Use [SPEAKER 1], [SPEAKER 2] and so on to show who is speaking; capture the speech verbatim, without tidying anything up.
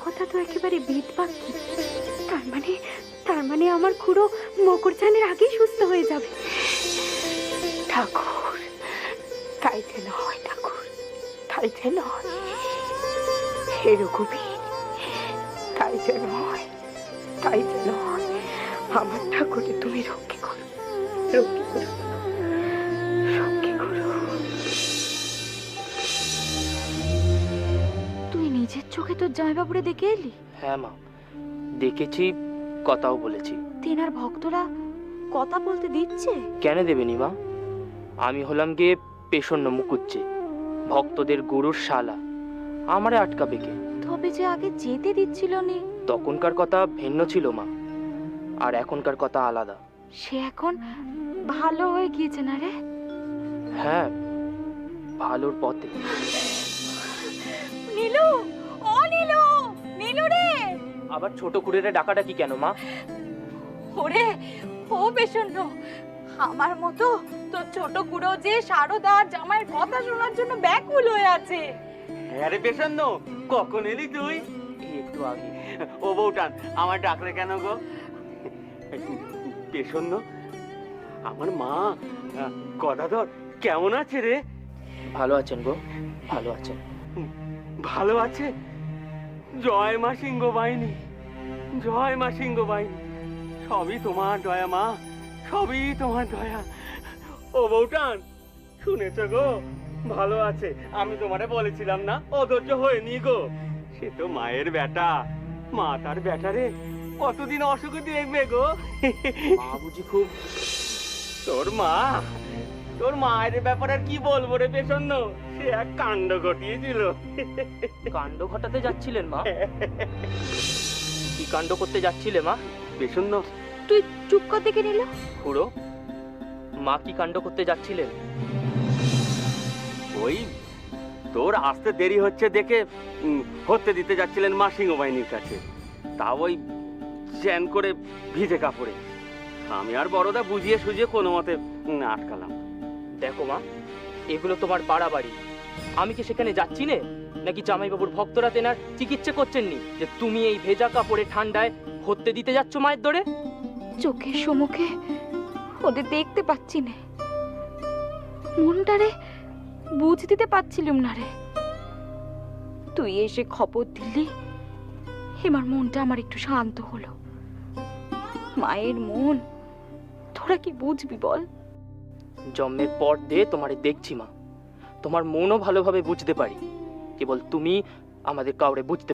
[SPEAKER 1] কথা তো একেবারে বেদবাক্যি। তার মানে তার মানে আমার খুড়ো মকরচানের আগেই সুস্থ হয়ে যাবে। ঠাকুর, তাই যেন হয় ঠাকুর, তাই যেন হয়। হে রঘুবীর, তাই যেন হয়, তাই যেন হয়। আমার ঠাকুরকে তুমি রক্ষে করো, রক্ষে করো, রক্ষে করো। তুই নিজের চোখে তোর জামাইবাবুরে দেখে এলি?
[SPEAKER 2] হ্যাঁ মা, দেখেছি, কথাও বলেছি।
[SPEAKER 1] তেনার ভক্তরা কথা বলতে দিচ্ছে?
[SPEAKER 2] কেন দেবেনি মা? আমি হলাম গিয়ে পেশন্য মুকুজ্জে, ভক্তদের গুরুর শালা, আমারে আটকাবে কে?
[SPEAKER 1] তবে যে আগে যেতে দিচ্ছিল নি।
[SPEAKER 2] তখনকার কথা ভিন্ন ছিল মা, আর এখনকার কথা আলাদা।
[SPEAKER 1] সে এখন ভালো হয়ে গিয়েছে না রে?
[SPEAKER 2] হ্যাঁ, ভালোর পথে।
[SPEAKER 1] নীলু, ও নীলু, নীলু রে।
[SPEAKER 2] আবার ছোট কুড়েরে ডাকাডাকি কেন মা?
[SPEAKER 1] ওরে, ও পেশন্য, আমার মতো তোর ছোট কুড়ো যে শারদার জামাইয়ের কথা শোনার জন্য ব্যাকুল হয়ে আছে।
[SPEAKER 3] আরে পেশান্ন, কখন এলি তুই?
[SPEAKER 2] একটু আগে।
[SPEAKER 3] ও বউটান, আমার ডাকলে কেন গো? পেশান্ন, আমার মা গদাধর কেমন আছে রে?
[SPEAKER 2] ভালো আছেন গো, ভালো আছেন।
[SPEAKER 3] ভালো আছে? জয় মা সিংহ বাহিনী, জয় মা সিংহ বাহিনী। সবই তোমার দয়া মা, সবই তোমার দয়া। ও বউটান, শুনেছ গো, ভালো আছে। আমি তোমারে বলেছিলাম না, অধৈর্য হয়নি গো। সে তো মায়ের বেটা, মা তার বেটারে কতদিন অসুখে দেখবে গো।
[SPEAKER 2] মা বুঝি খুব?
[SPEAKER 3] তোর মা, তোর মায়ের ব্যাপারে আর কি বলবো রে পেশন্ন, সে এক কাণ্ড ঘটিয়েছিল।
[SPEAKER 2] কাণ্ড ঘটাতে যাচ্ছিলেন মা? কি কাণ্ড করতে যাচ্ছিলে মা?
[SPEAKER 3] পেশন্ন,
[SPEAKER 1] তুই চুপ কর দেখে নিল।
[SPEAKER 2] খুড়ো, মা কি কাণ্ড করতে যাচ্ছিলেন?
[SPEAKER 3] ওই তোর আসতে দেরি হচ্ছে দেখে উম, হতে দিতে যাচ্ছিলেন মা সিংহবাহিনীর কাছে, তা ওই চ্যান করে ভিজে কাপড়ে। আমি আর বড়দা বুঝিয়ে সুঝিয়ে কোনো মতে উম, আটকালাম।
[SPEAKER 2] দেখো মা, এগুলো তোমার পাড়া বাড়ি, আমি কি সেখানে যাচ্ছি না? নাকি জামাইবাবুর ভক্তরা তেনার চিকিৎসা করছেননি যে তুমি এই ভেজা কাপড়ে ঠান্ডায় হতে দিতে যাচ্ছ মায়ের দরে?
[SPEAKER 1] চোখের সম্মুখে ওদের দেখতে পাচ্ছি না, মনটারে বুঝ দিতে পারছিলাম না রে। তুই এসে খবর দিলি, এবার মনটা আমার একটু শান্ত হলো। মায়ের মন তোরা কি বুঝবি বল?
[SPEAKER 2] জন্মের পর দিয়ে তোমারে দেখছি মা, তোমার মনও ভালোভাবে বুঝতে পারি, কেবল তুমি আমাদের কাউরে বুঝতে